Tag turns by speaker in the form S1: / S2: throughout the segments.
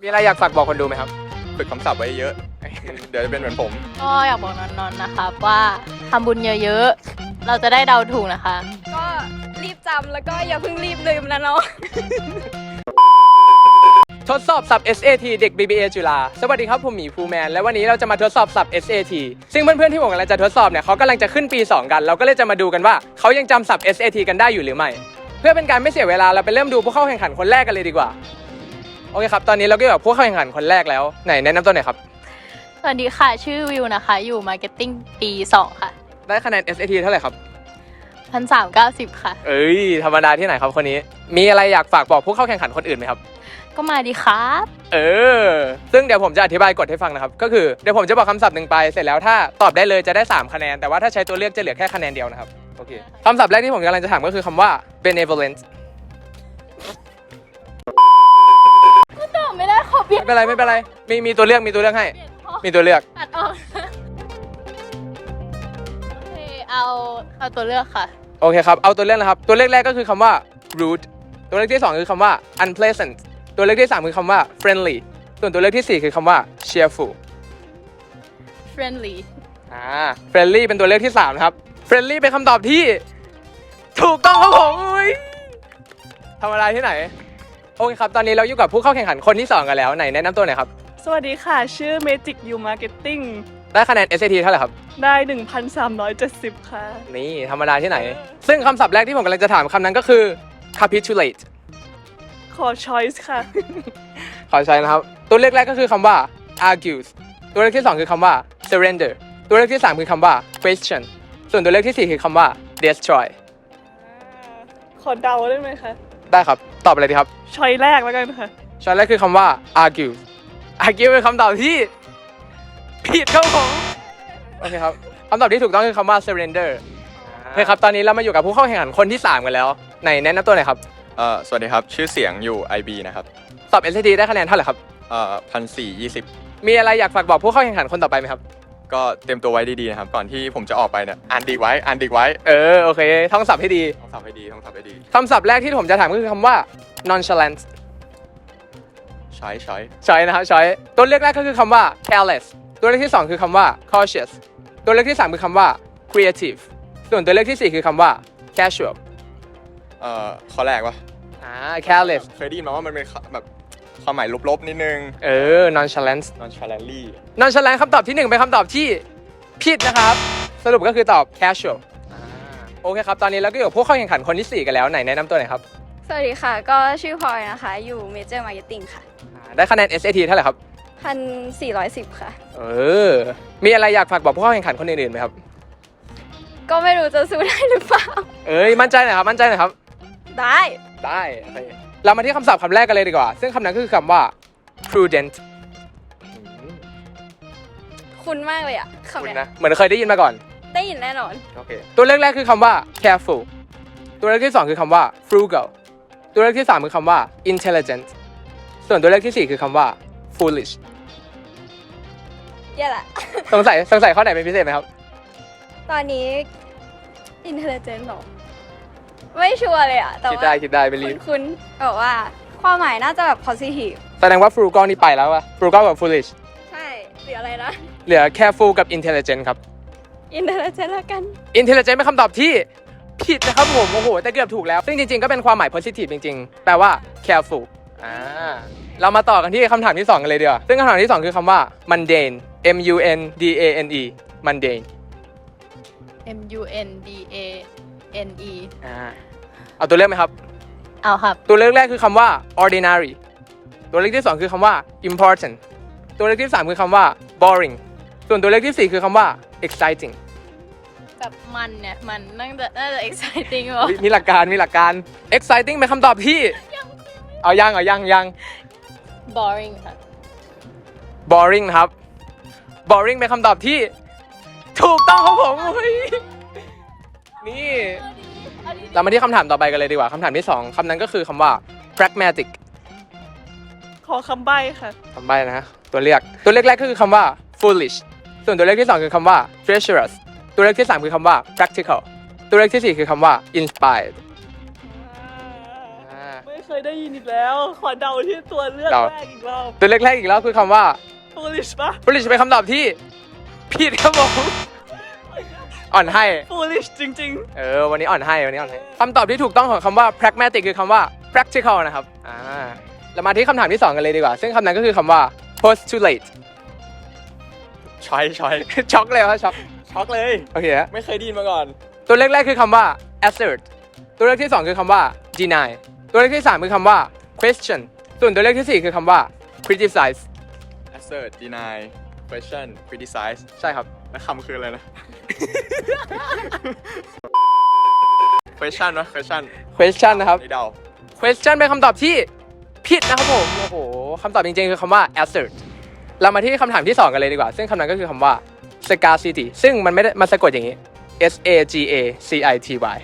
S1: มีอะไรอยากฝากบอกคนดูไหมครับ
S2: ฝึกคำศัพท์ไว้เยอะ เดี๋ยวจะเป็นเหมือนผม
S3: ก็อยากบอกนนท์นะคะว่าทำบุญเยอะๆ เราจะได้เดาถูกนะคะ
S4: ก็รีบจำแล้วก็อย่าเพิ่งรีบลืมนะเนาะ
S1: ทดสอบศัพท์ SAT เด็ก BBA จุฬาสวัสดีครับผมหมีภูแมนและวันนี้เราจะมาทดสอบศัพท์ SAT ซึ่งเพื่อนๆที่ผมกำลังจะทดสอบเนี่ยเขากำลังจะขึ้นปี 2 กันเราก็เลยจะมาดูกันว่าเขายังจำศัพท์ SAT กันได้อยู่หรือไม่เพื่อเป็นการไม่เสียเวลาเราไปเริ่มดูผู้เข้าแข่งขันคนแรกกันเลยดีกว่าโอเคครับตอนนี้เราก็อยู่กับผู้เข้าแข่งขันคนแรกแล้วไหนแนะนำตัวหน่อยครับ
S3: สวัสดีค่ะชื่อวิวนะคะ อยู่มาร์เก็ตติ้งปี 2 ค่ะ
S1: ได้คะแนน SAT เท่าไหร่ครับ
S3: 1,390 ค่ะ
S1: เอ้ยธรรมดาที่ไหนครับคนนี้มีอะไรอยากฝากบอกผู้เข้าแข่งขันคนอื่นไหมครับ
S3: ก็มาดีครับ
S1: ซึ่งเดี๋ยวผมจะอธิบายกฎให้ฟังนะครับก็คือเดี๋ยวผมจะบอกคำศัพท์หนึ่งไปเสร็จแล้วถ้าตอบได้เลยจะได้3คะแนนแต่ว่าถ้าใช้ตัวเลือกจะเหลือแค่คะแนนเดียวนะครับโอเคคำศัพท์แรกที่ผมกำลังจะถามก็คือคำว่า benevolent
S3: ตอบไม่ได้ขอเปลี่ยน
S1: ไม่เป็นไรมีตัวเลือกให้มีตัวเลือก
S3: ตัดออกโอเคเอาตัวเลือกค่ะ
S1: โอเคครับเอาตัวเลือกนะครับตัวเลือกแรกก็คือคำว่า rude ตัวเลือกที่2คือคำว่า unpleasant ตัวเลือกที่3คือคำว่า friendly ส่วนตัวเลือกที่4คือคำว่า cheerful
S3: friendly
S1: friendly เป็นตัวเลือกที่3นะครับ friendly เป็นคำตอบที่ถูกต้องครับผมอุ๊ยธรรมดาที่ไหนโอเคครับตอนนี้เราอยู่กับผู้เข้าแข่งขันคนที่2กันแล้วไหนแนะนำตัวหน่อยครับ
S5: สวัสดีค่ะ ชื่อ Magic U Marketing
S1: ได้คะแนน SAT เท่าไหร่ครับ
S5: ได้ 1,370 ค่ะ
S1: นี่ธรรมดาที่ไหน ซึ่งคำศัพท์แรกที่ผมกำลังจะถามคำนั้นก็คือ capitulate
S5: ขอ choice ค่ะ
S1: ขอใช้นะครับตัวเลือกแรกก็คือคำว่า argues ตัวเลือกที่2คือคำว่า surrender ตัวเลือกที่3คือคำว่า question ส่วนตัวเลือกที่4คือคำว่า destroy
S5: ขอเดาได้ไหมคะ
S1: ได้ครับตอบอะไรดีครับ
S5: ช้อยแรกแล้วกันค่ะ
S1: ช้อยแรกคือคำว่า argue argue เป็นคำตอบที่ผิดครับผมโอเคครับคำตอบที่ถูกต้องคือคำว่า surrender โอเคครับตอนนี้เรามาอยู่กับผู้เข้าแข่งขันคนที่3กันแล้วไหนแนะนำตัวหน่อยครับ
S2: สวัสดีครับ ชื่อเสียงอยู่ IB นะครับ
S1: สอบ SAT ได้คะแนนเท่าไหร่ครับ
S2: 1,420
S1: มีอะไรอยากฝากบอกผู้เข้าแข่งขันคนต่อไปไหมครับ
S2: ก็เตรียมตัวไว้ดีๆนะครับ ก่อนที่ผมจะออกไปเนี่ยอ่านดีไว้
S1: โอเคท่องศัพท์ให้ดี
S2: ต้องสับให้ดีต้องสับให้ดี
S1: คำศัพท์แรกที่ผมจะถามก็คือคำว่า nonchalant
S2: ใช้
S1: ช้อยนะครับช้อยตัวเลือกแรกก็คือคำว่า careless ตัวเลือกที่2คือคำว่า cautious ตัวเลือกที่3คือคำว่า creative ส่วนตัวเลือกที่4คือคำว่า casual
S2: ข้อแรกวะ
S1: careless
S2: เคยได้ยินมาว่ามันเป็นแบบความหมายลบๆนิดนึง
S1: nonchalant
S2: nonchalantly
S1: nonchalant คำตอบที่1เป็นคำตอบที่ผิดนะครับ สรุปก็คือตอบ casual โอเคครับ ตอนนี้เราก็อยู่กับผู้เข้าแข่งขันคนที่4กันแล้วไหนแนะนำตัวหน่อยครับ
S4: สวัสดีค่ะ ก็ชื่อพลอยนะคะ อยู่ Major Marketing ค่ะ
S1: ได้คะแนน SAT เท่าไหร่ครับ
S4: 1,410 ค่ะ
S1: มีอะไรอยากฝากบอกผู้เข้าแข่งขันคนอื่นๆไหมครับ
S4: ก็ไม่รู้จะสู้ได้หรือเปล่า
S1: มั่นใจหน่อยครับ
S4: ได้
S1: ได้โอเคเรามาที่คำศัพท์คำแรกกันเลยดีกว่า ซึ่งคำนั้นก็คือคำว่า prudent
S4: คุณมากเลยอะ
S1: คุณ
S4: คำเนี้ย
S1: นะเหมือนเคยได้ยินมาก่อน
S4: ได้ยินแน่นอน
S1: โอเคตัวเลือกแรกคือคำว่า careful ตัวเลือกที่2คือคำว่า frugal ตัวเลือกที่3คือคำว่า intelligent ส่วนตัวเลือกที่4คือคำว่า foolish
S4: เย่ยแหละ
S1: สงสัยข้อไหนเป็นพิเศษไหมครับ
S4: ตอนนี้ intelligent หรอ ไม่ชัวร์เลยอะแต่
S1: คิด
S4: ว่า
S1: ได้ไปรีบ
S4: คุณบอกว่าความหมายน่าจะแบบ positive
S1: แสดงว่า frugal นี่ไปแล้ววะ frugal กับ foolish
S4: ใช่หรืออะไรนะ
S1: เหลือ careful กับ intelligent ครับ
S4: intelligent แล้วกัน
S1: intelligent เป็นคำตอบที่ผิดนะครับผม โอ้โห แต่เกือบถูกแล้ว ซึ่งจริงๆ ก็เป็นความหมาย positive จริงๆ แปลว่า careful เรามาต่อกันที่คำถามที่ 2 กันเลยดีกว่า ซึ่งคำถามที่ 2 คือคำว่า mundane mundane mundane
S3: MUNDANE
S1: เอาตัวเลือกไหมครับ
S3: เอาครับ
S1: ตัวเลือกแรกคือคำว่า ordinary ตัวเลือกที่ 2 คือคำว่า important ตัวเลือกที่ 3 คือคำว่า boring ส่วนตัวเลือกที่ 4 คือคำว่า exciting
S3: แบบมันเนี่ย มันน่าจะ exciting หรอ
S1: มีหลักการ exciting เป็นคำตอบที่เอายัง
S3: boring ค่ะ
S1: boring นะครับ boring เป็นคำตอบที่ถูกต้องครับผมเฮ้ยนี่เรามาที่คำถามต่อไปกันเลยดีกว่าคำถามที่ 2คำนั้นก็คือคำว่า pragmatic
S5: ขอคำใบ้ค่ะ
S1: คำใบ้นะตัวเลือกแรกก็คือคำว่า foolish ส่วนตัวเลือกที่ 2 คือคำว่า treacherous ตัวเลือกที่ 3 คือคำว่า practical ตัวเลือกที่ 4 คือคำว่า inspired
S5: ไม่เคยได้ยินอีกแล้ว ขอเดาที่ตัวเลือก
S1: เดา
S5: แรกอีกรอบ
S1: ตัวเลือกแรกอีกแล้วคือคำว่า
S5: foolish ปะ
S1: foolish เป็นคำตอบที่ผิดครับผมอ่อนให้
S5: foolish จริง
S1: วันนี้อ่อนให้คำตอบที่ถูกต้องของคำว่า pragmatic คือคำว่า practical นะครับเรามาที่คำถามที่ 2 กันเลยดีกว่า ซึ่งคำนั้นก็คือคำว่า postulate
S2: ช้อย
S1: ช็อกเลยครับช็อก
S2: ช็อกเลย
S1: โอเคฮะ
S2: ไม่เคยได้ยินมาก่อน
S1: ตัวเลือกแรกคือคำว่า assert ตัวเลือกที่ 2 คือคำว่า deny ตัวเลือกที่ 3 คือคำว่า question ส่วนตัวเลือกที่ 4 คือคำว่า criticize
S2: assert deny question criticize
S1: ใช่ครับ
S2: แล้วคำคืออะไรนะ question วะ
S1: question นะครับ
S2: นี่เดา
S1: question เป็นคำตอบที่ผิดนะครับผมโอ้โหคำตอบจริงๆคือคำว่า assert เรามาที่คำถามที่ 2 กันเลยดีกว่า ซึ่งคำนั้นก็คือคำว่า scarcity ซึ่งมันไม่ได้มาสะกดอย่างนี้ S A G A C I T Y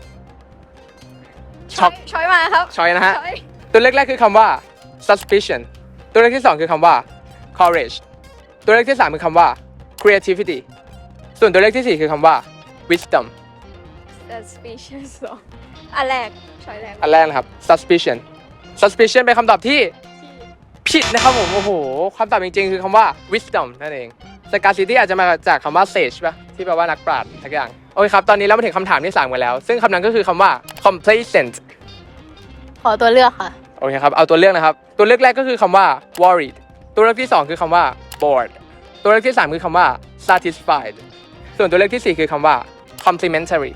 S1: ช็อก
S4: ช้อยมาครับ
S1: ช้อยนะฮะ
S4: ช้อย
S1: ตัวเลขแรกคือคำว่า suspicion ตัวเลขที่ 2 คือคำว่า courage ตัวเลขที่ 3 คือคำว่า creativity ส่วนตัวเลขที่ 4 คือคำว่า wisdom
S4: suspicious อันแรกช้อยแรก
S1: อันแรกนะครับ suspicion เป็นคำตอบที่ผิดนะครับผมโอ้โหคำตอบจริงๆคือคำว่า wisdom นั่นเอง scarcity อาจจะมาจากคำว่า sage ป่ะที่แปลว่านักปราชญ์ทักอย่างโอเคครับตอนนี้เรามาถึงคำถามที่ 3 กันแล้ว ซึ่งคำนั้นก็คือคำว่า complacent
S3: ขอตัวเลือกค่ะ
S1: โอเคครับ เอาตัวเลือกนะครับ ตัวเลือกแรกก็คือคำว่า worried ตัวเลือกที่ 2 คือคำว่า bored ตัวเลือกที่ 3 คือคำว่า satisfied ส่วนตัวเลือกที่ 4 คือคำว่า complimentary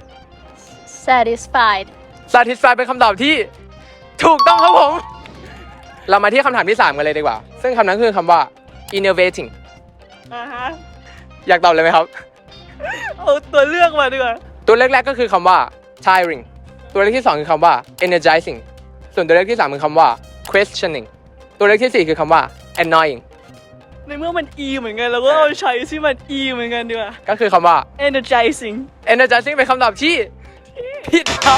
S3: satisfied
S1: satisfied เป็นคำตอบที่ถูกต้องครับผม เรามาที่คำถามที่ 3 กันเลยดีกว่า ซึ่งคำนั้นคือคำว่า innovating
S5: ฮะ
S1: อยากตอบเลยไหมครับ
S5: เอาตัวเลือกมาดีกว่า
S1: ตัวเลือกแรกก็คือคำว่า tiring ตัวเลือกที่ 2 คือคำว่า energizing ส่วนตัวเลือกที่ 3 คือคำว่า questioning ตัวเลือกที่ 4 คือคำว่า annoying
S5: ในเมื่อมัน e เหมือนกันเราก็เอาใช้ที่มัน e เหมือนกันดีกว่า
S1: ก็คือคำว่า
S5: energizing
S1: energizing เป็นคำตอบที่ผิดครับ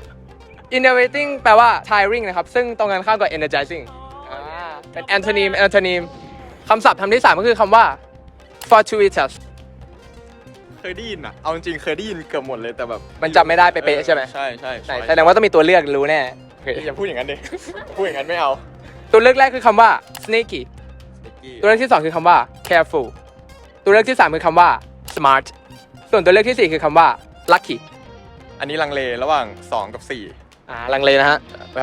S1: innovating แปลว่า tiring นะครับ ซึ่งตรงกันข้ามกับ energizing เป็น antonym คำศัพท์คำที่ 3 ก็คือคำว่า fortuitous
S2: เคยได้ยินอ่ะ เอาจริงๆเคยได้ยินเกือบหมดเลยแต่แบบ
S1: มันจำไม่ได้เป๊ะๆใช่ไหม
S2: ใช่
S1: ไหนแสดงว่าต้องมีตัวเลือกรู้แน่โอเค
S2: อย่าพูดอย่างนั้นดิ พูดอย่างนั้นไม่เอา
S1: ตัวเลือกแรกคือคำว่า sneaky ตัวเลือกที่ 2 คือคำว่า careful ตัวเลือกที่ 3 คือคำว่า smart ส่วนตัวเลือกที่ 4 คือคำว่า lucky
S2: อันนี้ลังเลระหว่าง 2 กับ 4
S1: ลังเลนะฮะ
S2: แบบ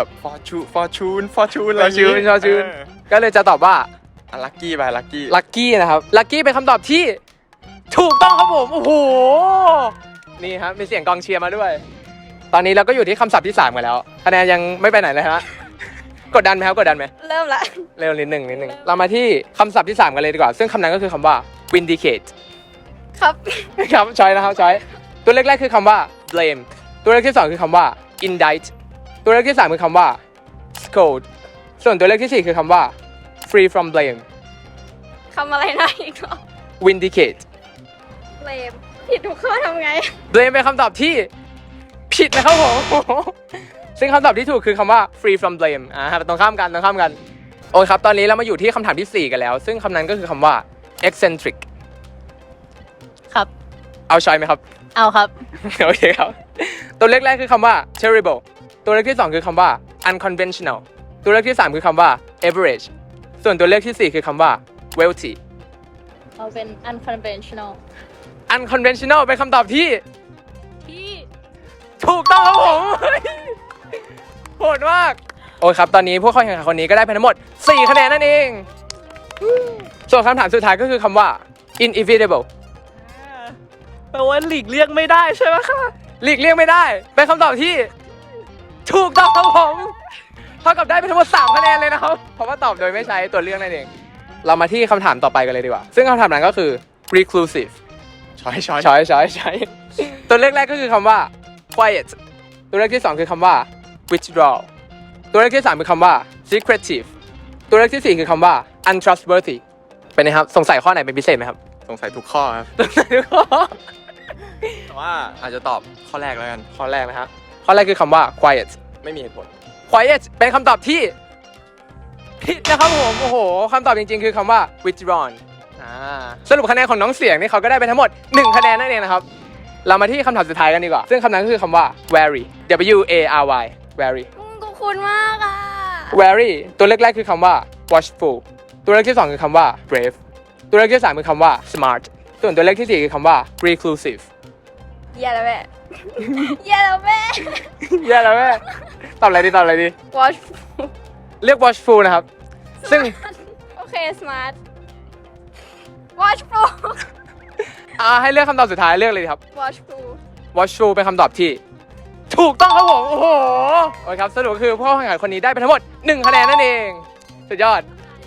S2: fortune อะไรอย่างงี้
S1: fortune ก็เลยจะตอบว่า
S2: ลักกี้ไปลักกี้
S1: lucky นะครับ lucky เป็นคำตอบที่ถูกต้องครับผม โอ้โห นี่ครับมีเสียงกองเชียร์มาด้วย ตอนนี้เราก็อยู่ที่คำศัพท์ที่ 3 กันแล้ว คะแนนยังไม่ไปไหนเลยฮะ กดดันไหมครับ กดดันไหม
S4: เริ่มละ
S1: เร็วนิดหนึ่งเรามาที่คำศัพท์ที่ 3 กันเลยดีกว่า ซึ่งคำนั้นก็คือคำว่า vindicate
S4: ครับ
S1: ครับช้อยนะครับช้อยตัวเลขแรกคือคำว่า blame ตัวเลขที่ 2 คือคำว่า indict ตัวเลขที่ 3 คือคำว่า scold ส่วนตัวเลขที่ 4 คือคำว่า free from blame
S4: คำอะไรนะอีกรอบ
S1: vindicate
S4: เบลมผิดทุกข้อทำไง
S1: blame เป็นคำตอบที่ผิดนะครับผม ซึ่งคำตอบที่ถูกคือคำว่า free from blame ตรงข้ามกันโอเคครับตอนนี้เรามาอยู่ที่คำถามที่ 4 กันแล้ว ซึ่งคำนั้นก็คือคำว่า eccentric
S3: ครับ
S1: เอาช้อยไหมครับ
S3: เอาครับ
S1: โอเคครับ ตัวเลขแรกคือคำว่า terrible ตัวเลขที่ 2 คือคำว่า unconventional ตัวเลขที่ 3 คือคำว่า average ส่วนตัวเลขที่ 4 คือคำว่า wealthy
S3: เอาเป็น unconventional
S1: unconventional เป็นคำตอบที่ถูกต้องครับผม โหดมาก โอ้ยครับ ตอนนี้ผู้เข้าแข่งขันคนนี้ก็ได้ไปทั้งหมด 4 คะแนนนั่นเอง ส่วนคำถามสุดท้ายก็คือคำว่า inevitable
S5: แปลว่าหลีกเลี่ยงไม่ได้ใช่ไหมคะ
S1: หลีกเลี่ยงไม่ได้ เป็นคำตอบที่ถูกต้องครับผมเท่ากับได้ไปทั้งหมด 3 คะแนนเลยนะครับ เพราะว่าตอบโดยไม่ใช้ตัวเลือกนั่นเอง เรามาที่คำถามต่อไปกันเลยดีกว่า ซึ่งคำถามนั้นก็คือ reclusive
S2: ช้อย
S1: ช้อยตัวเลขแรกก็คือคำว่า quiet ตัวเลขที่ 2 คือคำว่า withdraw ตัวเลขที่ 3 คือคำว่า secretive ตัวเลขที่ 4 คือคำว่า untrustworthy เป็นไงครับ สงสัยข้อไหนเป็นพิเศษไหมครับ
S2: สงสัยทุกข้อครับ
S1: สงสัยทุกข้อ
S2: แต่ว่าอาจจะตอบข้อแรกแล้วกัน
S1: ข้อแรกนะครับข้อแรกคือคำว่า quiet
S2: ไม่มีเหตุผล
S1: quiet เป็นคำตอบที่ผิดนะครับผม โอ้โหคำตอบจริงๆ คือคำว่า withdrawn สรุปคะแนนของน้องเสียงนี่เขาก็ได้ไปทั้งหมด 1 คะแนนนั่นเองนะครับ เรามาที่คำถามสุดท้ายกันดีกว่า ซึ่งคำนั้นก็คือคำว่า wary W A R Y wary
S4: กูคุณมากอ่ะ
S1: wary ตัวเลขแรกคือคำว่า watchful ตัวเลขที่สองคือคำว่า brave ตัวเลขที่สามคือคำว่า smart ส่วนตัวเลขที่สี่คือคำว่า reclusive
S4: แย่แล้วแม่ แย่แล้วแม่
S1: แย่แล้วแม่ตอบอะไรดี
S4: watch
S1: เรียก watchful นะครับ ซึ่ง
S4: โอเค smart watchful
S1: ให้เลือกคำตอบสุดท้ายเลือกเลยครับ
S4: watchful
S1: watchful เป็นคำตอบที่ ถูกต้องครับผมโอ้โหโอเคครับสรุปก็คือผู้เข้าแข่งขันคนนี้ได้ไปทั้งหมด1คะแนนนั่นเองสุดยอด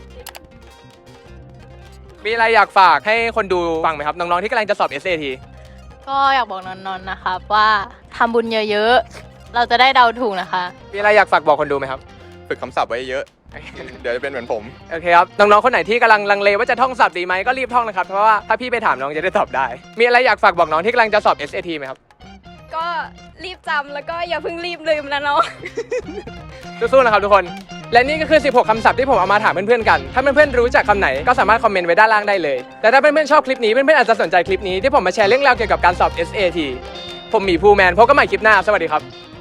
S1: มีอะไรอยากฝากให้คนดูฟังไหมครับน้องๆที่กำลังจะสอบ SAT
S3: ก็อยากบอกนนท์นะครับว่าทำบุญเยอะๆ เราจะได้เดาถูกนะคะ
S1: มีอะไรอยากฝากบอกคนดูไหมครับ
S2: ฝึกคำศัพท์ไว้เยอะ เดี๋ยวจะเป็นเหมือนผม
S1: โอเคครับน้องๆคนไหนที่กำลังลังเลว่าจะท่องศัพท์ดีไหมก็รีบท่องนะครับเพราะว่าถ้าพี่ไปถามน้องจะได้ตอบได้ มีอะไรอยากฝากบอกน้องที่กำลังจะสอบ SAT ไหมครับ
S4: ก็รีบจำแล้วก็อย่าเพิ่งรีบลืมนะเนาะ
S1: สู้ๆนะครับทุกคน และนี่ก็คือ 16 คำศัพท์ที่ผมเอามาถามเพื่อนๆกัน ถ้าเพื่อนๆรู้จักคำไหนก็สามารถคอมเมนต์ไว้ด้านล่างได้เลย แต่ถ้าเพื่อนๆชอบคลิปนี้เพื่อนๆอาจจะสนใจคลิปนี้ที่ผมมาแชร์เรื่องราวเกี่ยวกับการสอบ SAT ผมหมีภูแมนพบกันใหม่คลิปหน้าสวัสดีครับ